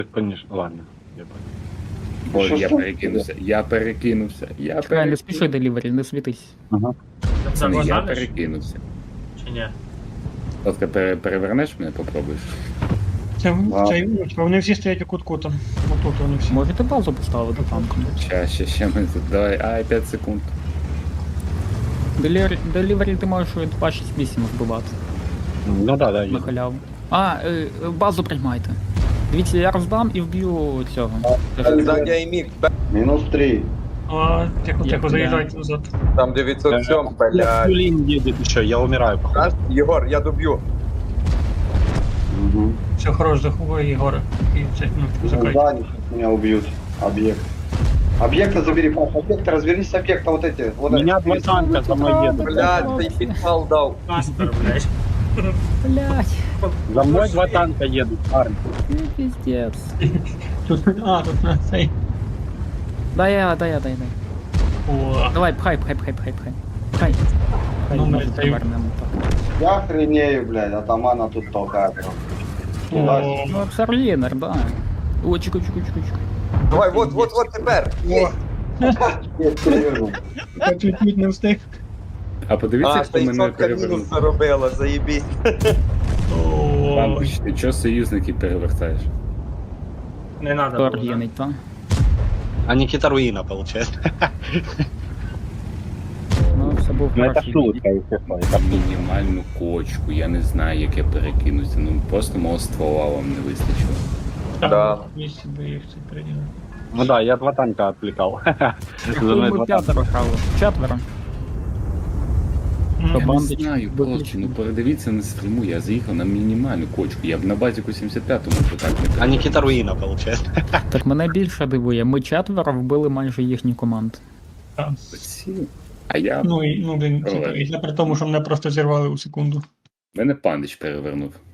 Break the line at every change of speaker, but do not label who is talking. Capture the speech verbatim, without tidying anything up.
Конечно, ладно. Я понял.
Ой,
Що
я
ж?
перекинувся, я перекинувся, я
Чекай, не
перекинувся.
спіши делівері, не світись.
Ага.
Це не я
Загониш?
перекинувся.
Чи ні?
Ласка, пере, перевернеш мене, попробуєш?
Це,
А.
це, вони всі стоять у кутку там. Отут вони всі.
Можете базу поставити танком.
Ща, ще, ще ми тут, давай, ай, п'ять секунд.
Делівері, делівері ти можеш два шість вісім збивати
Ну да, да,
на
є.
халяву. А, е, е, базу приймайте. Дивіться, я роздам і вб'ю цього.
Сзади Аймик,
Мінус три.
А, тихо,
Я
тихо,
бля.
заїжджайте назад.
там девятьсот семь,
Я
блядь.
Юлин едет еще, я умираю, походу.
Раз, Егор, я добью.
Угу.
Все, хорош, заховай Єгора. І це, ну,
Ну,
закрой.
да, они сейчас меня убьют. Объект. Объекта забери, Паш, объекта, развернись с объекта, вот эти. Вот
Меня
эти.
два танка за мной едут.
Блядь, ты пинкал дал.
Каспер, блядь.
Блять,
За мной два танка едут, парни.
ну пиздец.
Тут, а, тут на цей.
Дай я, дай я, дай, дай.
О,
Давай, пхай, пхай, пхай, пхай, пхай. Пхай. Пхай,
Ну,
може
блядь,
повернемо так.
Я охренею, блядь, атамана тут толкает. Туда.
о,
Ну, Сарлінер, да. О, чеку, чеку, чеку, чеку.
Давай, вот, вот, вот теперь. Есть.
Я переверну.
я чуть-чуть не встиг.
А подивіться,
А,
хто мене
шестьсот
перевернув.
минус заробила, заебись.
О,
Бабуч, ти чого союзників перевертаєш?
Не надо
Хто
було, да?
аргінить, так?
А Никита Руина, получается.
Ну, все був
Ну это
хороший.
шутка, естественно.
Там мінімальну кочку, я не знаю, як я перекинуся, ну просто мого ствола вам не вистачило.
там
Да.
місці би їх це приділити.
Ну да, я два танка отвлекал. За мной
Ми
два танка.
п'ятеро грали. Четверо.
М,
Що,
Я не
бандич
знаю, просто,
виключено.
ну передивіться на стриму, я заїхав на мінімальну кочку, я б на базіку сімдесят п'ятому вже так не
А
перевернув.
Никита Руина, получается.
Так мене більше дивує. Ми четверо вбили майже їхні команди.
так.
Оці. А я,
Ну і ну, блін, це,
Давай.
і це при тому, що мене просто зірвали у секунду.
мене пандич перевернув.